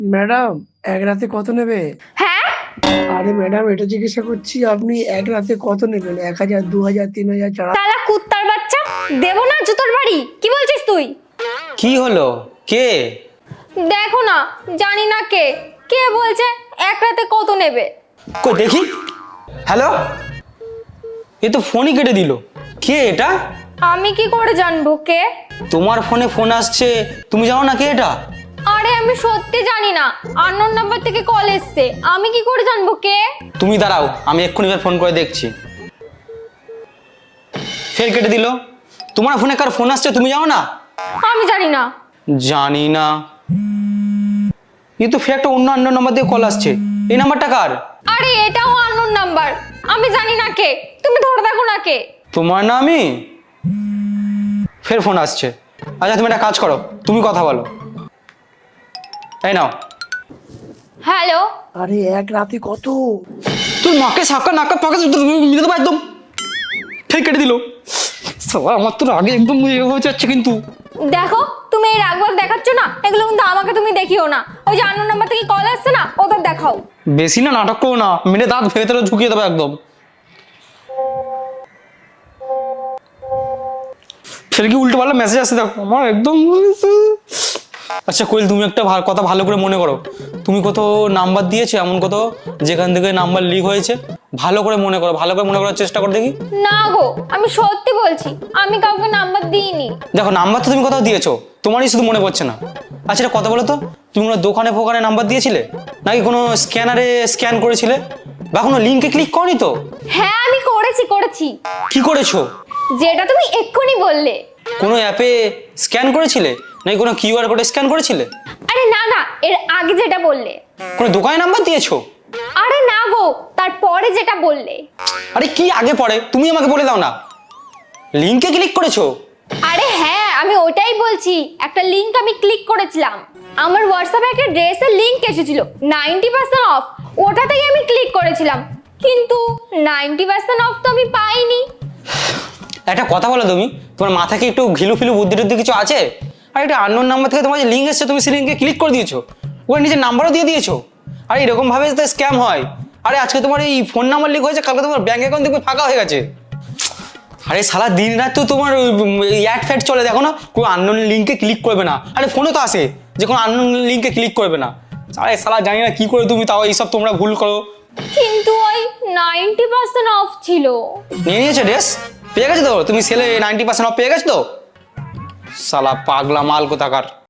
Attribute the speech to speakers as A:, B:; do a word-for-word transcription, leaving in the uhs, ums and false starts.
A: Madam, এক রাতে কত নেবে?
B: হ্যাঁ?
A: আরে ম্যাডাম, এটা জিজ্ঞাসা করছি, আপনি এক রাতে কত নেবেন? এক হাজার, দু হাজার, তিন হাজার, চার হাজার?
B: শালা কুত্তার বাচ্চা, দেবো না জুতোর বাড়ি। কি বলছিস তুই?
C: কি হলো? কে?
B: দেখো না, জানি না কে কে বলছে এক রাতে কত নেবে।
C: কই দেখি। হ্যালো, এ তো ফোনই কেটে দিল। কে এটা?
B: আমি কি করে জানবো কে?
C: তোমার ফোনে ফোন আসছে, তুমি জানো না কে এটা?
B: আরে আমি সত্যি জানি না, আননোন নাম্বার থেকে কল এসছে, আমি কি করে জানবো কে?
C: তুমি দাঁড়াও, আমি এক্ষুনি এবার ফোন করে দেখছি। ফের কেটে দিল। তোমার ফোনে কার ফোন আসছে তুমি জানো না?
B: আমি জানি না।
C: জানি না? এ তো ফের একটা অন্য অন্য নাম্বার দিয়ে কল আসছে। এই নাম্বারটা কার?
B: আরে এটাও আননোন নাম্বার, আমি জানি না কে, তুমি ধরে দেখো না কে।
C: তোমার না আমি? ফের ফোন আসছে। আচ্ছা তুমি একটা কাজ করো, তুমি কথা বলো। এই নাও।
B: হ্যালো।
A: আরে এক রাতে কত?
C: তুই মাকে সাকা নাকা পাকা মিলে দেবো একদম। ঠিক কেটে দিল। সবাই আমার তো আগে একদম ইয়ে হয়ে যাচ্ছে কিন্তু।
B: দেখো, তুমি এই রাগবাগ দেখাচ্ছ না, এগুলো কিন্তু আমাকে তুমি দেখিও না। ওই যে আননোন নাম্বার থেকে কল আসছে না, ওদের দেখাও।
C: বেশি না নাটক করো না, মেরে দাঁত ভেতরে ঝুঁকিয়ে দেবো একদম। ফের কি উল্টো পাল্টা মেসেজ আসছে দেখো আমার একদম। আচ্ছা কোয়েল, তুমি একটা ভা- কথা ভালো করে মনে করো। তুমি কত নাম্বার দিয়েছো এমন কত, যেখান থেকে নাম্বার লিক হয়েছে? ভালো করে মনে করো, ভালো করে মনে করার চেষ্টা করো দেখি।
B: না গো, আমি সত্যি বলছি, আমি কাউকে নাম্বার দিইনি।
C: দেখো নাম্বার তো তুমি কোথাও দিয়েছো, তোমারই শুধু মনে পড়ছে না। আচ্ছা এটা কথা বলো তো, তুমি কোনো দোকানে ফোকানে নাম্বার দিয়েছিলে, নাকি কোনো স্ক্যানারে স্ক্যান করেছিলে, বা কোনো লিঙ্কে ক্লিক করনি তো?
B: হ্যাঁ আমি করেছি করেছি,
C: কি করেছো?
B: যেটা তুমি এক্ষুনি বললে।
C: কোনো অ্যাপে স্ক্যান করেছিলে, নাকি কোনো কিউআর কোডে স্ক্যান করেছিলে?
B: আরে না না, এর আগে যেটা বললে।
C: কোনো দোকানে নাম্বার দিয়েছো?
B: আরে না গো, তারপরে যেটা বললে।
C: আরে কি আগে পরে তুমি আমাকে বলে দাও না। লিঙ্কে ক্লিক করেছো?
B: আরে হ্যাঁ, আমি ওটাই বলছি, একটা লিংক আমি ক্লিক করেছিলাম। আমার হোয়াটসঅ্যাপে একটা ড্রেসের লিংক এসেছিল নাইনটি পার্সেন্ট অফ, ওটাতেই আমি ক্লিক করেছিলাম, কিন্তু নাইনটি পার্সেন্ট অফ তো আমি পাইনি।
C: একটা কথা বলো তুমি, তোমার মাথা কি একটু ঘিলু ফিলু বুদ্ধি টুদ্ধি কিছু আছে? আর একটা আননোন নাম্বার থেকে তোমার যে লিঙ্ক এসেছে, তুমি সেই লিঙ্কে ক্লিক করে দিয়েছো, ওর নিজের নাম্বারও দিয়ে দিয়েছো। আর এরকম ভাবে তো স্ক্যাম হয়। আরে আজকে তোমার এই ফোন নাম্বার লিক হয়েছে, কালকে তোমার ব্যাংক অ্যাকাউন্ট দেখবে ফাঁকা হয়ে গেছে। আরে সারা দিন রাত তো তোমার অ্যাড ফ্যাড চলে, দেখো না কোনো আননোন লিঙ্কে ক্লিক করবে না। আরে ফোনে তো আসে যে কোনো আননোন লিঙ্কে ক্লিক করবে না। আরে সালা জানি না কি করে তুমি তাও এইসব তোমরা ভুল করো।
B: কিন্তু ওই নাইনটি পার্সেন্ট অফ ছিল।
C: নিয়ে নিয়েছো ড্রেস? পেয়ে গেছো তো তুমি? সেলে নাইনটি পার্সেন্ট অফ পেয়ে গেছো তো? সালা পাগলা মাল কোথাকার।